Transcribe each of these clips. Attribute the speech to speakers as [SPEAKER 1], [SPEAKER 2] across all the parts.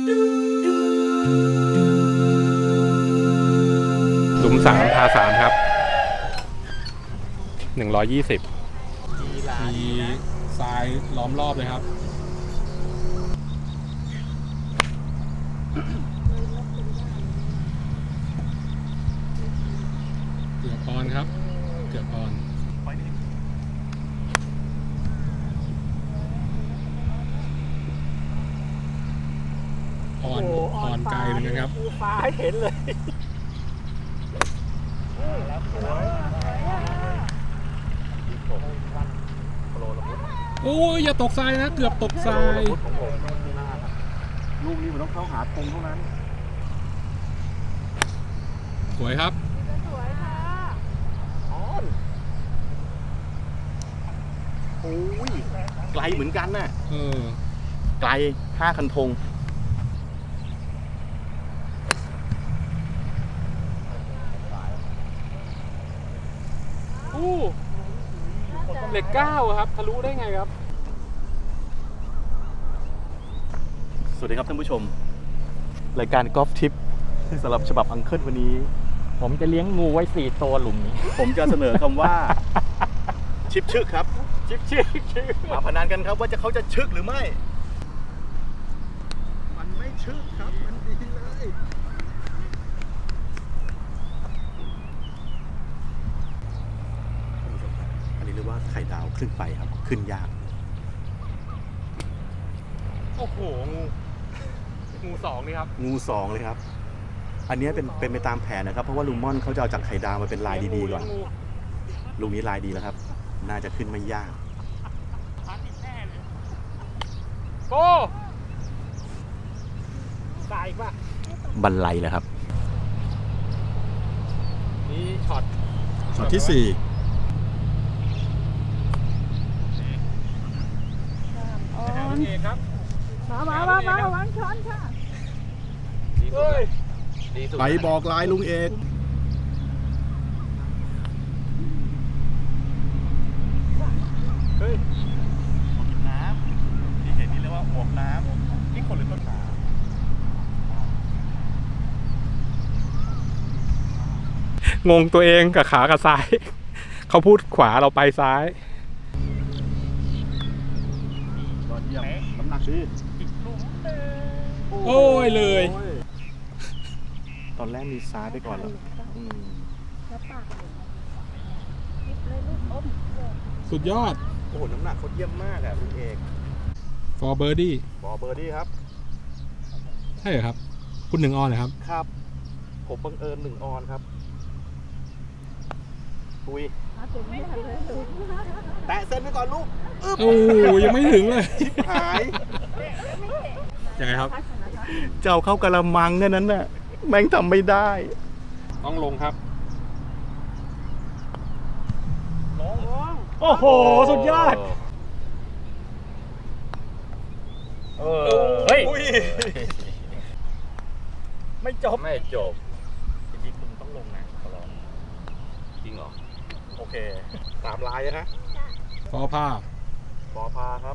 [SPEAKER 1] หลุม3 พา 3 ครับ 120มีทรายล้อมรอบเลยครับเกือบออนครับเกือบออนอ่อนไกลเลยนะครับ
[SPEAKER 2] ฟ้าให้เห็นเลย
[SPEAKER 1] โอ้ยอย่าตกทรายนะเกือบตกทราย
[SPEAKER 2] ลูกนี้มันต้องเข้าหาตรงเท่านั้น
[SPEAKER 1] สวยครับ
[SPEAKER 3] สวยค่ะ
[SPEAKER 2] โอ้ยไกลเหมือนกันน่ะ
[SPEAKER 1] ไกล
[SPEAKER 2] 5 คันธง
[SPEAKER 1] เหล็ก9ครับทะลุได้ไงครับ
[SPEAKER 2] สวัสดีครับท่านผู้ชมรายการกอล์ฟทิปสำหรับฉบับอังเคิลวันนี้
[SPEAKER 4] ผมจะเลี้ยงงูไว้4 ตัวหลุมนี้
[SPEAKER 2] ผมจะเสนอคำว่าชิปชึกครับ
[SPEAKER 4] ชิป
[SPEAKER 2] มาพนันกันครับว่าเขาจะชึกหรือไม่มันไม่ชึกครับมันดีเลยอันนี้เรียกว่าไข่ดาวขึ้นไปครับขึ้นยาก
[SPEAKER 1] โอ้โหงู2นี่ครับ
[SPEAKER 2] งู2เลยครับอันนี้เป็นไปตามแผนนะครับเพราะว่าลุงม่อนเขาจะเอาจากไข่ดาวมาเป็นลายดีๆก่อนลุงนี้ลายดีแล้วครับน่าจะขึ้นไม่ยาก
[SPEAKER 1] โอ้
[SPEAKER 4] ตายป่ะ
[SPEAKER 2] บันไลแล้วครับ
[SPEAKER 1] นี่ช็อต
[SPEAKER 2] ที่4
[SPEAKER 1] โอเคครับ
[SPEAKER 3] มาวางช้อนค่ะ
[SPEAKER 2] ไปบอกลายลุงเอกเฮ้ยน้ำที่เห็นนี่เรียกว่าหมวกน้ำนี่คนหรือต้นขาง
[SPEAKER 1] งตัวเองกับขากับซ้ายเขาพูดขวาเราไปซ้าย
[SPEAKER 2] ยอดเยี่ยมน้ำหนักดี
[SPEAKER 1] โอ้ยเลย
[SPEAKER 2] ตอนแรกมีซ้ายไปก่อนแล้ว
[SPEAKER 1] สุดยอด
[SPEAKER 2] โอ้โหน้ำหนักเขาเยี่ยมมากอ่ะคุณเอก
[SPEAKER 1] for birdie
[SPEAKER 2] ครับ
[SPEAKER 1] ใช่เหรอครับคุณ1 ออนเหรอครับ
[SPEAKER 2] ครับผมบังเอิญ1 ออนครับคุยแตะเส้นไปก่อนลูก
[SPEAKER 1] โอ้ยังไม่ถึงเลย
[SPEAKER 2] หาย
[SPEAKER 1] ยังไงครับ
[SPEAKER 2] เจ้าเข้ากระมังแค่นั้นน่ะแม่งทำไม่ได้
[SPEAKER 1] ต้องลงครับ
[SPEAKER 4] โอ้โหสุดยอดเฮ้ยไม่จบ
[SPEAKER 2] ทีนี้มึงต้องลงนะขอร้องจริงเหรอโอเค3 ลายนะ
[SPEAKER 1] ฟอผ้า
[SPEAKER 2] ครับ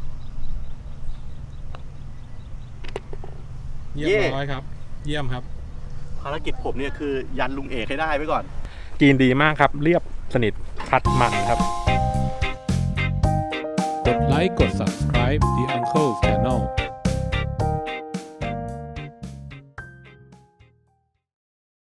[SPEAKER 1] เยี่ยมร้อยครับเยี่ยมครับ
[SPEAKER 2] ภารกิจผมเนี่ยคือยันลุงเอกให้ได้ไว้ก่อน
[SPEAKER 1] กินดีมากครับเรียบสนิทคัดมันครับกดไลค์กด subscribe The Uncle Channel